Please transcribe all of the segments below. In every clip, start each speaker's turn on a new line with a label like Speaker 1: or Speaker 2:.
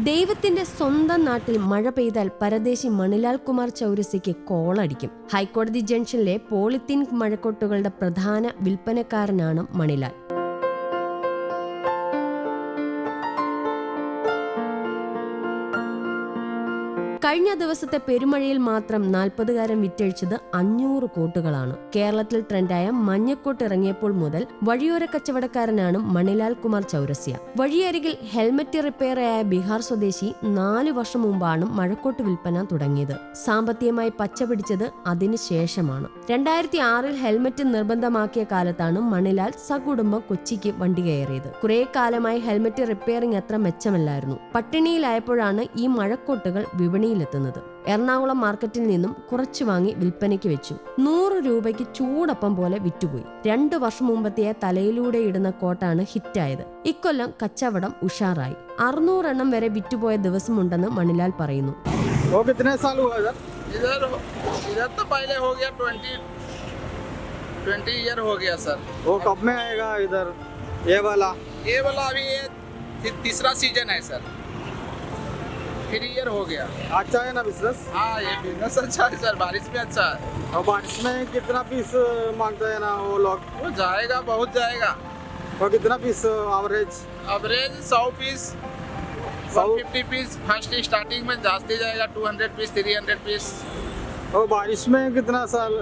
Speaker 1: ദൈവത്തിന്റെ സ്വന്തം നാട്ടിൽ മഴ പെയ്താൽ പരദേശി മണിലാൽ കുമാർ ചൗരസിക്ക് കോളടിക്കും. ഹൈക്കോടതി ജംഗ്ഷനിലെ പോളിത്തീൻ മഴക്കൊട്ടുകളുടെ പ്രധാന വിൽപ്പനക്കാരനാണ് മണിലാൽ. കഴിഞ്ഞ ദിവസത്തെ പെരുമഴയിൽ മാത്രം 40കാരൻ വിറ്റഴിച്ചത് 500 കോട്ടുകളാണ്. കേരളത്തിൽ ട്രെൻഡായ മഞ്ഞക്കോട്ട് ഇറങ്ങിയപ്പോൾ മുതൽ വഴിയോര കച്ചവടക്കാരനാണ് മണിലാൽ കുമാർ ചൗരസ്യ. വഴിയരികിൽ ഹെൽമറ്റ് റിപ്പയറായ ബീഹാർ സ്വദേശി 4 വർഷം മുമ്പാണ് മഴക്കോട്ട് വിൽപ്പന തുടങ്ങിയത്. സാമ്പത്തികമായി പച്ച പിടിച്ചത് അതിനുശേഷമാണ്. 2006 ഹെൽമറ്റ് നിർബന്ധമാക്കിയ കാലത്താണ് മണിലാൽ സകുടുംബം കൊച്ചിക്ക് വണ്ടി കയറിയത്. കുറെ കാലമായി ഹെൽമറ്റ് റിപ്പയറിംഗ് അത്ര മെച്ചമല്ലായിരുന്നു. പട്ടിണിയിലായപ്പോഴാണ് ഈ മഴക്കോട്ടുകൾ വിപണിയിലെത്തുന്നത്. എറണാകുളം മാർക്കറ്റിൽ നിന്നും കുറച്ചു വാങ്ങി വിൽപ്പനയ്ക്ക് വെച്ചു. 100 രൂപയ്ക്ക് ചൂടപ്പം പോലെ വിറ്റുപോയി. 2 വർഷം മുമ്പത്തെ തലയിലൂടെ ഇടുന്ന കോട്ടാണ് ഹിറ്റായത്. ഇക്കൊല്ലം കച്ചവടം ഉഷാറായി. 600 എണ്ണം വരെ വിറ്റുപോയ ദിവസമുണ്ടെന്ന് മണിലാൽ പറയുന്നു.
Speaker 2: ईयर हो गया। अच्छा है ना बिजनेस? हाँ, ये बिजनेस अच्छा है सर, बारिश में अच्छा है। और बारिश में कितना पीस मांगते हैं ना वो लोग? वो जाएगा, बहुत जाएगा। और कितना piece average? Average 100 piece, 150 piece first starting में जाते जाएगा, 200 पीस, 300 पीस। और बारिश में कितना साल?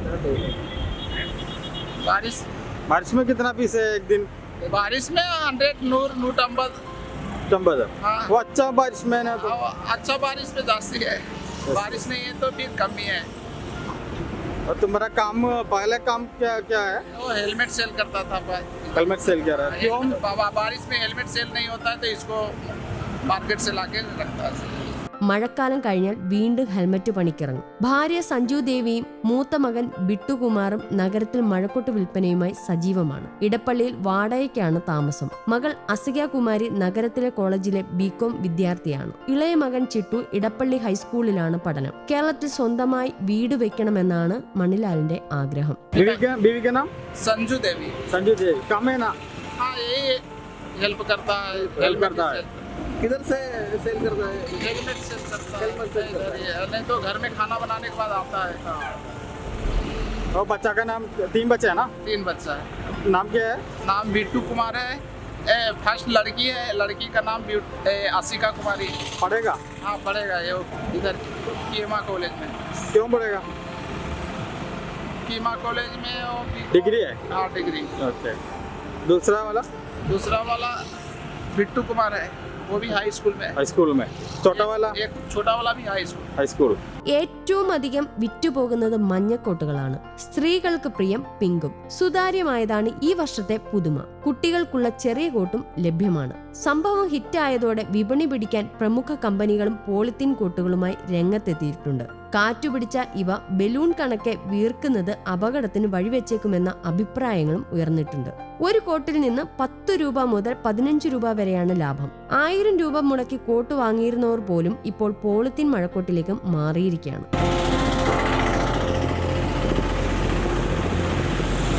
Speaker 2: बारिश में कितना पीस है एक दिन? बारिश में 100, 100, 150। हाँ। वो अच्छा बारिश में ना तो अच्छा बारिश में जाती है, बारिश नहीं है तो फिर कम ही है। और तुम्हारा काम पहले काम क्या क्या है? वो हेलमेट सेल करता था। हेलमेट सेल क्या रहा है? क्यों? बारिश में हेलमेट सेल नहीं होता है तो इसको मार्केट से लाके रखता है।
Speaker 1: മഴക്കാലം കഴിഞ്ഞാൽ വീണ്ടും ഹെൽമറ്റ് പണിക്കിറങ്ങും. ഭാര്യ സഞ്ജു ദേവിയും മൂത്ത മകൻ ബിട്ടുകുമാറും നഗരത്തിൽ മഴക്കൊട്ട് വിൽപ്പനയുമായി സജീവമാണ്. ഇടപ്പള്ളിയിൽ വാടകയ്ക്കാണ് താമസം. മകൾ അസിക കുമാരി നഗരത്തിലെ കോളേജിലെ ബികോം വിദ്യാർത്ഥിയാണ്. ഇളയ മകൻ ചിട്ടു ഇടപ്പള്ളി ഹൈസ്കൂളിലാണ് പഠനം. കേരളത്തിൽ സ്വന്തമായി വീട് വെക്കണമെന്നാണ് മണിലാലിന്റെ ആഗ്രഹം.
Speaker 2: സഞ്ജു ദേവി हेल्प करता है। किधर से सेल करता है? हेलमेट सेल करता है। नहीं तो घर में खाना बनाने के बाद आता है। और बच्चा का नाम 3 बच्चे है ना? 3 बच्चा है। नाम क्या है? नाम बिट्टू कुमार है। फर्स्ट लड़की है, लड़की का नाम आशिका कुमारी। पढ़ेगा? हाँ पढ़ेगा, ये इधर कीमा कॉलेज में। क्यों पढ़ेगा? कीमा कॉलेज में डिग्री है। हाँ डिग्री। ओके। दूसरा वाला बिट्टू कुमार है, वो भी हाई स्कूल में। छोटा वाला भी हाई स्कूल।
Speaker 1: ഏറ്റവും അധികം വിറ്റുപോകുന്നത് മഞ്ഞക്കോട്ടുകളാണ്. സ്ത്രീകൾക്ക് പ്രിയം പിങ്കും. സുതാര്യമായതാണ് ഈ വർഷത്തെ പുതുമ. കുട്ടികൾക്കുള്ള ചെറിയ കോട്ടും ലഭ്യമാണ്. സംഭവം ഹിറ്റായതോടെ വിപണി പിടിക്കാൻ പ്രമുഖ കമ്പനികളും പോളിത്തീൻ കോട്ടുകളുമായി രംഗത്തെത്തിയിട്ടുണ്ട്. കാറ്റുപിടിച്ച ഇവ ബലൂൺ കണക്കെ വീർക്കുന്നത് അപകടത്തിന് വഴിവെച്ചേക്കുമെന്ന അഭിപ്രായങ്ങളും ഉയർന്നിട്ടുണ്ട്. ഒരു കോട്ടിൽ നിന്ന് 10 രൂപ മുതൽ 15 രൂപ വരെയാണ് ലാഭം. 1000 രൂപ മുടക്കി കോട്ട് വാങ്ങിയിരുന്നവർ പോലും ഇപ്പോൾ പോളിത്തീൻ മഴക്കോട്ടിലേക്ക് മാറിയിരിക്കുകയാണ്.